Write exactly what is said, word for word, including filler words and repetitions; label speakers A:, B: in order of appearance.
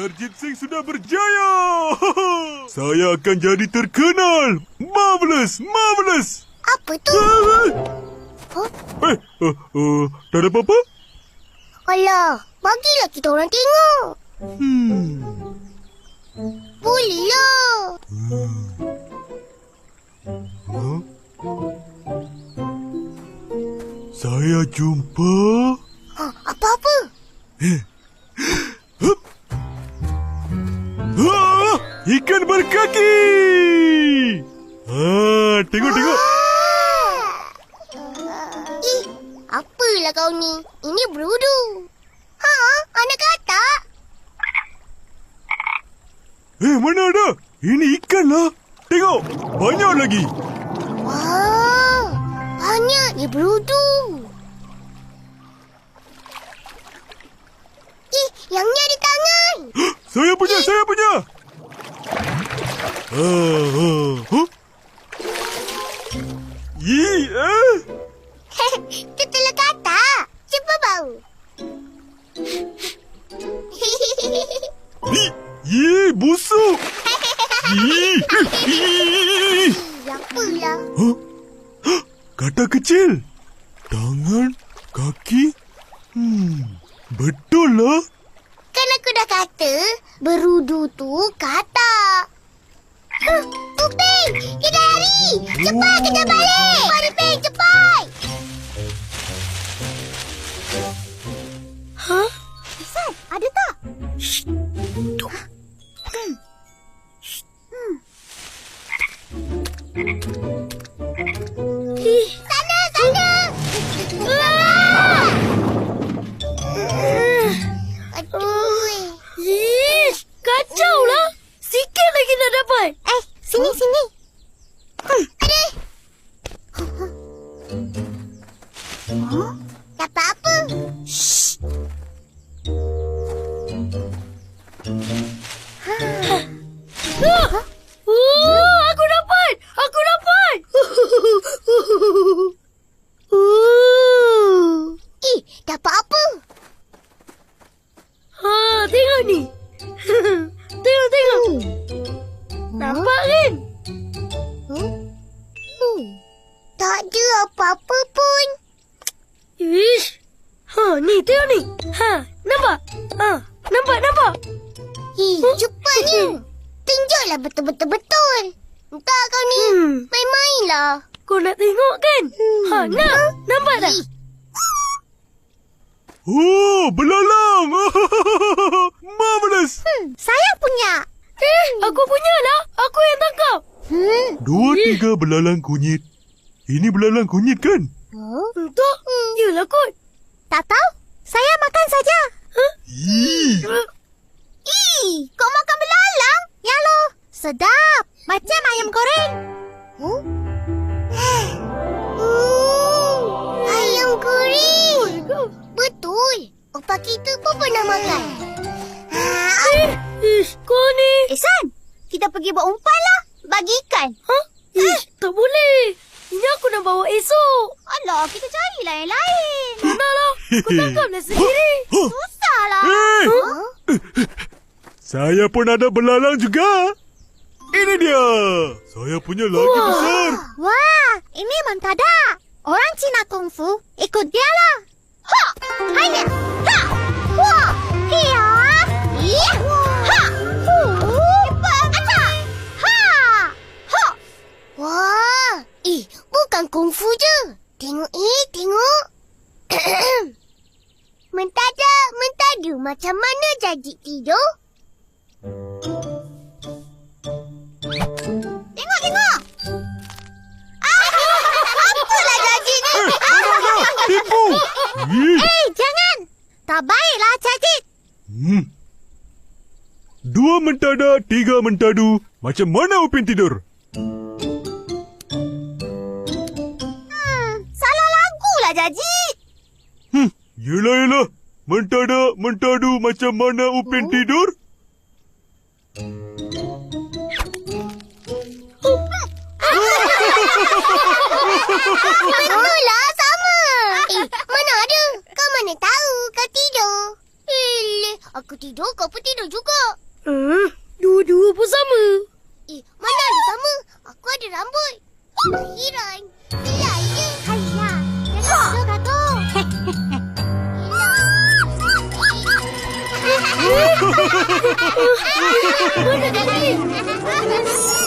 A: Jarjit Singh sudah berjaya. Saya akan jadi terkenal. Marvelous, marvelous.
B: Apa tu?
A: Huh? Eh, uh, uh, tak ada apa-apa?
B: Alah, bagilah kita orang tengok.
A: Hmm.
B: Bolehlah.
A: Hmm. Huh? Saya jumpa...
B: Ha, apa-apa?
A: Ah, ikan berkaki. Ah, tengok, tengok.
B: Eh, apalah kau ni? Ini berudu. Ha, anak katak.
A: Eh, mana ada? Ini ikan lah. Tengok, banyak lagi.
B: Wah, banyak dia berudu. Eh, yang ni ada tangan.
A: Saya punya, eh. saya punya. Ah, ah, huh? Yi, eh.
B: Itu telur katak. Cuba bau.
A: Yi, yi, busuk. Yi, yi.
B: Apalah.
A: Huh? Katak kecil. Tangan, kaki. Hmm, betul lah.
B: Kan aku dah kata, berudu tu katak. Huh, tu Peng, kita lari. Cepat kita balik. Mari Peng, cepat.
C: Hah?
B: Isan, ada tak?
C: Shh. Tu.
B: Hmm. Hmm.
C: Ih.
B: Sana, sana.
C: Ah!
B: Aduh.
C: Ih, kacau lah. Sikit lagi nak dapat.
B: Eh, sini, huh? sini. Hmm. Ada. Huh? Dapat apa?
C: Shh. Ah! Oh, aku dapat. Aku dapat.
B: Uh. Eh, dapat apa?
C: Ha, tengok ni. Tengok, tengok. Nampak kan?
B: Hmm? Hmm. Tak ada apa-apa pun.
C: Ish. Ha, ni tengok ni. Ha, nampak? Ha, nampak, nampak.
B: Eh, cepatnya. Tunjuklah betul-betul-betul. Entah kau ni.
C: Hmm.
B: Main-mainlah.
C: Kau nak tengok kan?
B: Hmm.
C: Ha, nak? Nampak tak?
B: Eh,
A: Oh, belalang. Marvelous.
B: hmm, saya punya.
C: Eh, aku punya lah. Aku yang tangkap.
B: Hmm.
A: Dua, tiga belalang kunyit. Ini belalang kunyit kan?
B: Oh.
C: Untuk? Yelah kot.
B: Tak tahu. Saya makan saja.
C: Huh?
A: Ih.
B: Ih, kau makan belalang? Ya lo. Sedap. Macam ayam goreng. Huh? Hmm, ayam goreng. Betul. Opa kita pun pernah makan. Ah,
C: Eh, ish, kau ni.
B: Ehsan, kita pergi buat umpan lah. Bagi ikan.
C: Ha? Ish, tak boleh. Ini aku nak bawa esok.
B: Alah, kita carilah yang lain.
C: Manalah. Aku tangkaplah sendiri.
B: Susahlah.
A: Eh,
B: Huh?
A: saya pun ada belalang juga. Ini dia. Saya punya lagi
C: Wah.
A: besar.
B: Wah, ini mentada. Orang Cina kungfu, ikut dia lah. Ha! Hanya! Ha! Wah! Hiya! Iya! Ha! Hu! Aca! Ha! Ha! Wah! Eh, bukan kungfu je. Tengok eh, tengok. Mentada, mentadu macam mana jadi tidur? Tengok, tengok. Ah, apalah jadi ni?
A: Eh, ada, ada. Tipu. Ih.
B: Eh, jangan. Tak baiklah, Cacik.
A: Hmm. Dua mentada, tiga mentadu. Macam mana Upin tidur?
B: Hmm, salah lagu lah, Cacik.
A: Hmm. Yelah, yelah. Mentada, mentadu. Macam mana Upin
B: Oh.
A: tidur?
B: Betul lah, sama. Eh, mana ada? Kau mana tahu kau tidur? Eh, Aku tidur, kau pun tidur juga.
C: Hmm, dua-dua pun sama.
B: Eh, mana ada sama? Aku ada rambut. Akhiran. Selai je. Hayah. Jangan tidur, kakak.
C: Mana tadi?